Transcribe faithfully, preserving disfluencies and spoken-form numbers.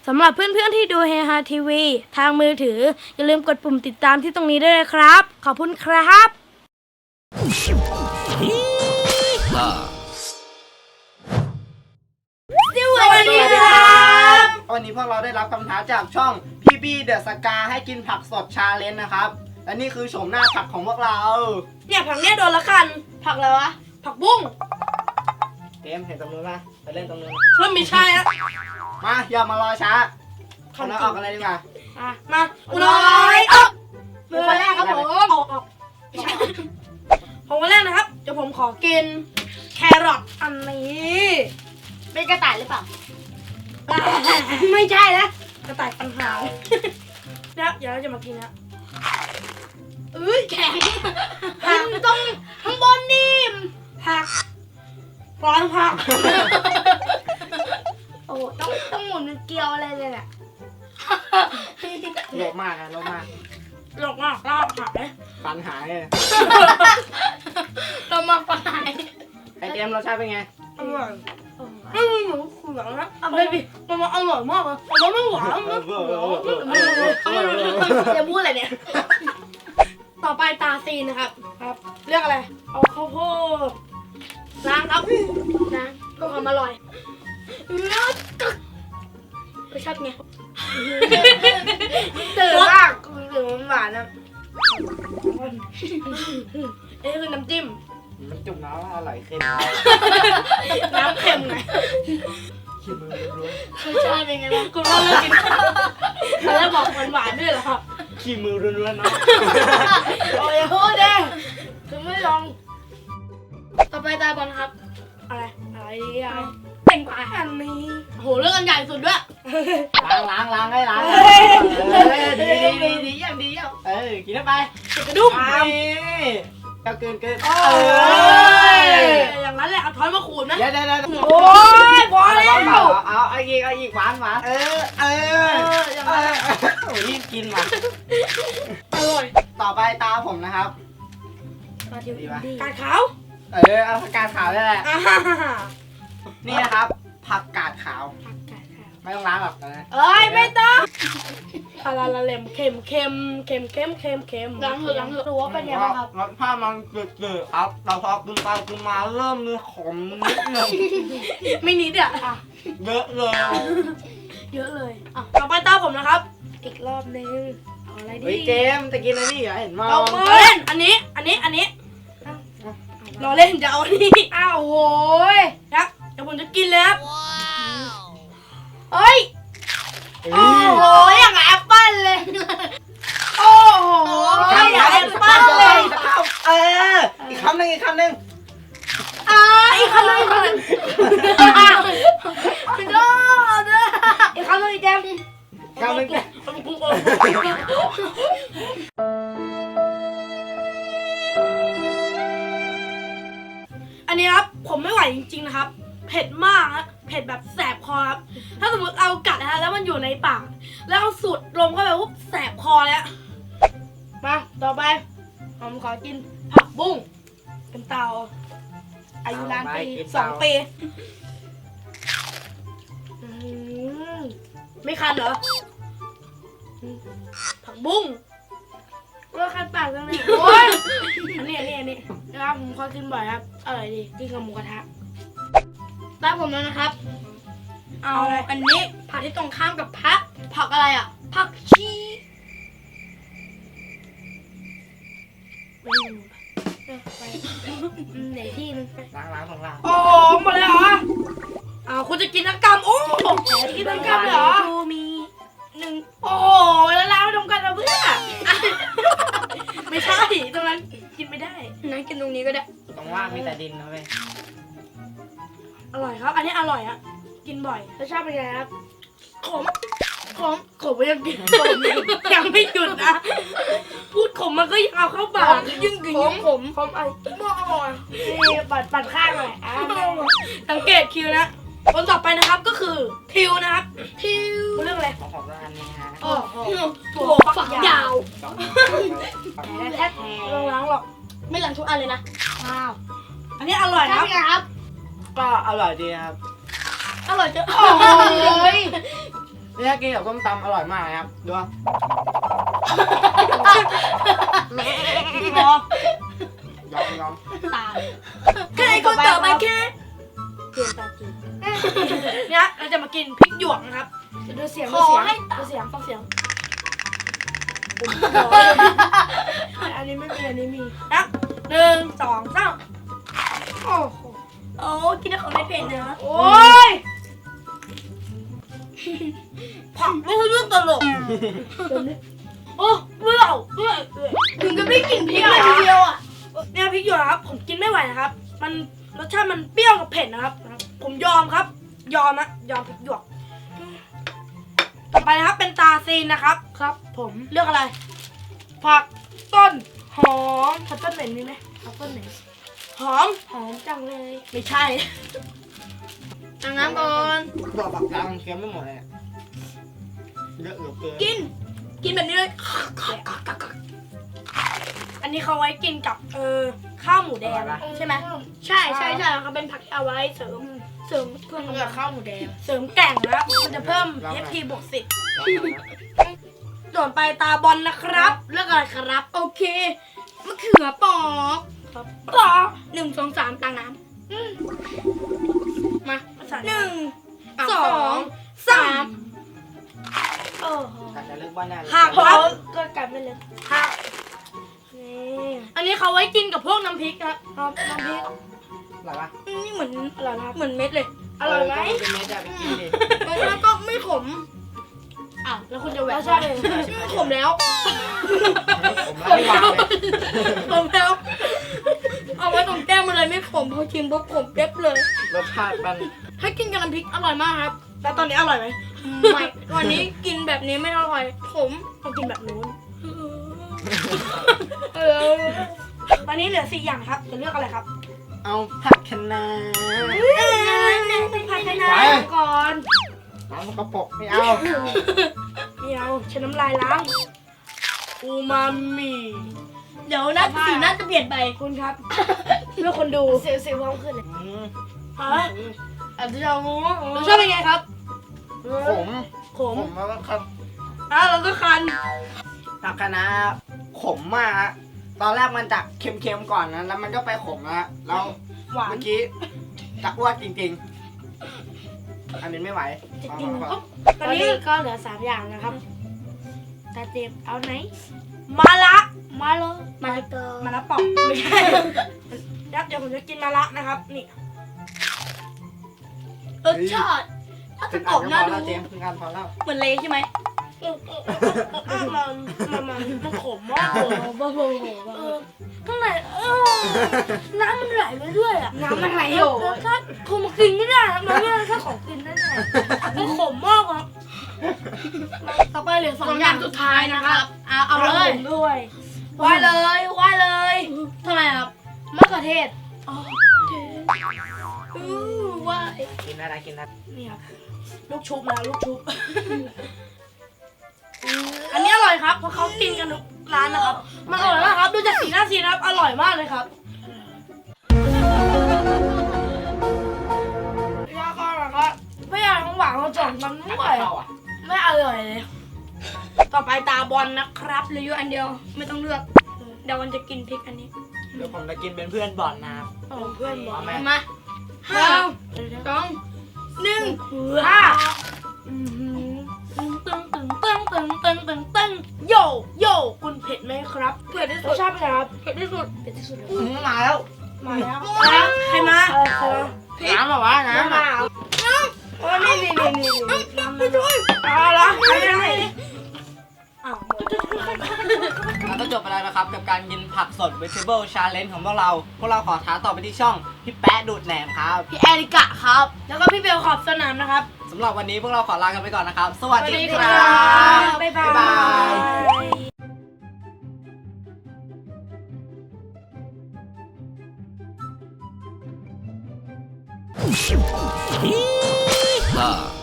สำหรับเพื่อนๆที่ดูเฮฮาทีวีทางมือถืออย่าลืมกดปุ่มติดตามที่ตรงนี้ด้วยนะครับ ขอบคุณครับสวัสดีครับวันนี้พวกเราได้รับคำท้าจากช่องพี่บี้เดอะสกาให้กินผักสดชาเลนจ์นะครับและนี่คือโฉมหน้าผักของพวกเราเนี่ยผักเนี่ยโดนละกันผักอะไรวะผักบุ้งเกมเห็นตรงนู้นป่ะไปเล่นตรงนู้นเริ่มไม่ใช่แล้วมาอย่ามารอช้าเราออกกันเลยดีกว่าอ่ะมาอุน้อยออกมือคนแรกครับผมออกออกผมคนแรกนะครับเดี๋ยวผมขอกินแครอทอันนี้เป็นกระต่ายหรือเปล่าไม่ใช่นะกระต่ายปัญหาแล้วเดี๋ยวเราจะมากินนะเอ้ยแข็งหักตรงข้างบนนิ่มหักร้อนหักโอ้ต้องต้องหมุนเกลียวอะไรเลยแหละโลภมากนะโลภมากหลอกมากลาบหายฟันหายเรามาฟันหายไอเกมรสชาติเป็นไงอร่อยไม่มีหมูขุ่นนะไม่ดิมันอร่อยมากเลยมันไม่หวานนะจะพูดอะไรเนี่ยต่อไปตาซีนนะครับครับเรียกอะไรเอาข้าวโพดล้างครับล้างเพื่อความอร่อยไม่ชอบไงตื่นมากตื่นหวานนะเอ้คือน้ำจิ้มมันจุ่มน้ำอร่อยเค็มน้ำเค็มไงขี้มือร้อนรสชาติเป็นไงบ้างคุณว่าเลิกกินแล้วบอกหวานหวานด้วยเหรอครับขี้มือร้อนๆนะโอ้ยโหเด้ถึงไม่ลองต่อไปตาบอลครับอะไรอะไรดีอะไรแต่งกว่าอันนี้โหเรื่องอันใหญ่สุดด้วยล้างล้างล้างให้ล้างดีดีดีดีอย่างดีอย่างเออกินเข้าไปกระดุมก็เกินเกินเอออย่างนั้นแหละเอาช้อนมาขูดนะเดี๋ยวเดี๋ยวเดี๋ยวโอ้ยพอแล้วเอาเอาอีกเอาอีกหวานหวานเออเออเออโอ้รีบกินมาอร่อยต่อไปตาผมนะครับดีป่ะกาดขาวเออเอาผักกาดขาวได้แหละนี่นะครับผักกาดขาวไม่ต้องล้างหรอกนะเอ้ยไม่ต้องคาราลาเลมเค็มเค็มเค็มเค็มเค็มเค็มล้างเถอะล้างเถอะรู้ว่าเป็นยังไงครับรสชาติมันเกลือๆครับเราพอกินไปกินมาเริ่มมีขมนิดนึงไม่นิดอ่ะเยอะเลยเยอะเลยอ่ะต่อไปตาผมนะครับอีกรอบนึงเอาอะไรดีเกมจะกินอะไรนี่เหรอเห็นมั้ยเราเล่นอันนี้อันนี้อันนี้เราเล่นจะเอาอันนี้อ้าวโหยครับเดี๋ยวผมจะกินเลยครับเฮ้ยโอ้โหอย่างแอปเปิ้ลเลยโอ้โหอย่างแอปเปิ้ลเลยเอออีกคำหนึ่งอีกคำหนึ่งอ่าอีกคำหนึ่งอีกคำหนึ่งสุดยอดเลยอีกคำหนึ่งอีกแจมคำหนึ่งอันนี้ครับผมไม่ไหวจริงๆนะครับเผ็ดมากนะเผ็ดแบบแสบคอครับถ้าสมมติเอากัดนะฮะแล้วมันอยู่ในปากแล้วเอาสูดลมเข้าไปปุ๊บแสบคอแล้วมาต่อไปผมขอกินผักบุ้งเป็นเตาอายุล้านปีสองปีไม่คันเหรอผักบุ้งก็คันปากจังเลยโอ้ยอันนี้อันนี้อันนี้นะครับผมขอกินบ่อยครับอร่อยดีกินกับหมูกระทะตามผมแล้วนะครับเอาอันนี้ผักที่ตรงข้ามกับผักผักอะไรอ่ะผักชีไปไหนที่นึงล้างล้างของล้างโอ้หมดเลยเหรออ้าวคุณจะกินทั้งกำโอ้จะกินทั้งกำเหรอมีหนึ่งโอ้แล้วล้างไม่ตรงกันนะเพื่อนไม่ใช่ตรงนั้นกินไม่ได้นั่งกินตรงนี้ก็ได้ตรงว่างมีแต่ดินนะเว้ยอร่อยครับอันนี้อร่อยอ่ะกินบ่อยรสชาติเป็นไงครับขมขมขมยังกินขมยังไม่หยุดนะพูดขมมันก็ยังเอาเข้าปากยิ่งกินยิ่งขมขมไอ้บ้านี่ปัดปัดข้างหน่อยอ่ะสังเกตคิวนะคนต่อไปนะครับก็คือทิวนะครับทิวเรื่องอะไรของของร้านนี้ฮะโอ้โหถั่วฝักยาวแท้ๆล้างหรอกไม่ล้างทุกอันเลยนะว้าวอันนี้อร่อยนะครับก็อร่อยดีครับอร่อยจังโอ้ยเนี่ยกินกับส้มตำอร่อยมากนะครับดูว่าพอยอมยอมตายใครคนต่อไปแค่เปลี่ยนตาจีเนี่ยเราจะมากินพริกหยวกนะครับดูเสียงดูเสียงดูเสียงฟังเสียงอันนี้ไม่มีอันนี้มีนะหนึ่งสองสามโอ้โหโอ้กินแล้วเขาไม่เป็นเนอะโอ้ยผักไม่ใช่เรื่องตลกโอ้เบื่อเบื่อเบื่อถึงกับได้กลิ่นพริกเลยทีเดียวอ่ะเนี่ยพริกหยวกนะครับผมกินไม่ไหวนะครับ มันรสชาติมันเปรี้ยวกับเผ็ดนะครับ ผมยอมครับ ยอมนะยอมพริกหยวกต่อไปนะครับเป็นตาซีนนะครับครับ ผมเลือกอะไร ผักต้นหอมผักต้นเหม็นมีไหมผักต้นเหม็นหอมหอมจังเลยไม่ใช่ตังน้ำก่อนตัวปากกลางเค็มไม่หมดเลยเยอะเหลือเกินกิน กินแบบนี้เลยอันนี้เขาไว้กินกับเออข้าวหมูแดงใช่ไหมใช่ใช่ใช่เขาเป็นผักที่เอาไว้เสริมเสริมเพื่อนกับข้าวหมูแดงเสริมแกร่งนะครับมันจะเพิ่ม เอฟ พี บวกสิบส่วนไปตาบอลนะครับเลือกอะไรครับ โอเคมะเขือปอกครับปอกหนึ่งสองสามตังน้ำมาภาษาหนึ่งอ่ะสองสามโอ้โหแต่จะเลือกว่าแน่เลยหักครับก็กลับไปเลยหักนี่อันนี้เขาไว้กินกับพวกน้ำพริกครับครับน้ำพริกอร่อยปะนี่เหมือนอร่อยนะครับเหมือนเม็ดเลย อร่อยไหมเป็นเม็ดอะไปกินดิแล้วก็ไม่ขมอ้าวแล้วคุณจะแหวกใช่ไหมไม่ขมแล้วผมไม่วางเลยขมแล้ว เอาไว้ตรงแก้มมันเลยไม่ขมพอชิมปุ๊บขมเป๊บเลยรสชาติมันถ้ากินกับน้ำพริกอร่อยมากครับแล้วตอนนี้อร่อยไหมไม่วันนี้กินแบบนี้ไม่อร่อยขมต้องกินแบบนู้นเออตอนนี้เหลือสี่อย่างครับจะเลือกอะไรครับเอาผักคะน้าผัดไทยไปน้ำก่อนน้ำมันกระปกไม่เอาไม่เอาใช้น้ำลายล้างอูมามิเดี๋ยวน่าสีน่าจะเปลี่ยนไปคุณครับ เพื่อคนดูเซลล์เซลล์พร้อมขึ้นเลยอืมฮะอาจจะเอารสชาติเป็นไงครับขมขมขมแล้วก็ครับอ่ะแล้วก็คันผักคะน้าขมมากฮะตอนแรกมันจากเค็มๆก่อนนะแล้วมันก็ไปขมแล้วฮะแล้วหวานเมื่อกี้จะอ้วกจริงๆ อันนี้ไม่ไหวจะกินพอปุ๊บตตออน นนี้นี้ก็เหลือสามอย่างนะครับตาเจ็บเอาไหนมาละมาเลยมาเตอมาละปอกไม่ใช่เดี๋ยวเดี๋ยวผมจะกินมาละนะครับ นี่รสชาติถ้าถึจะงกรอัอน บก็น่าพอดูแล้วเจมส์ถึงอันพอแล้วเหมือนเละใช่ไหมมันมันมันมันขมมากเลยบ้าโบเออข้างในเออน้ำมันไหลไปเรื่อยอะน้ำมันไหลอยู่รสชาติคงมากินไม่ได้นะมันไม่ใช่รสชาติของกินแน่ๆมันขมมากอะต่อไปเหลือสองอย่างสุดท้ายนะครับเอาเอาเลยผมด้วยไหวเลยไหวเลยทำไมครับมะเขือเทศอ๋ออือไหวกินอะไรกินอะไรนี่ครับลูกชุบนะลูกชุบ อันนี้อร่อยครับเพราะเขากินกันทุกร้านนะครับ มันอร่อยมากครับดูจากสีหน้าสีนะครับอร่อยมากเลยครับยาก็แบบว่าไม่อยากของหวานของจ่องมันไม่ไหวเข้าอ่ะไม่อร่อยเลย ต่อไปตาบอลนะครับเหลืออยู่อันเดียวไม่ต้องเลือกเดี๋ยววันจะกินพริกอันนี้เดี๋ยวผมจะกินเป็นเพื่อนบอลนะครับเพื่อนบอลเอาไหมมาห้าสองหนึ่งห้าตึงตึงตึงตึงตึงตึงตึงตึงโยโยคุณเผ็ดไหมครับเผ็ดที่รสุสดชาติเป็นไงครับเผ็ดที่สุดเผ็ดที่สุดอืมมาแล้วมาแล้วแล้วใครมาใครมาน้ำเหรอวะน้ำมาอ่ะโอ้นี่นี่นี่นี่นี่น้ำไม่ช่วยเอาละไม่ได้อ้าวแล้วก็จบไปแล้วนะครับ กับการกินผักสด vegetable challenge ของพวกเรา พวกเราขอท้าต่อไปที่ช่องพี่แป๊ะดูดแหนมครับพี่แอริกะครับแล้วก็พี่เบลขอบสนามนะครับสำหรับวันนี้พวกเราขอลากันไปก่อนนะครับ สวัสดีสวัสดีคครัรับบบ๊ายบายบ๊ายบาย Ah.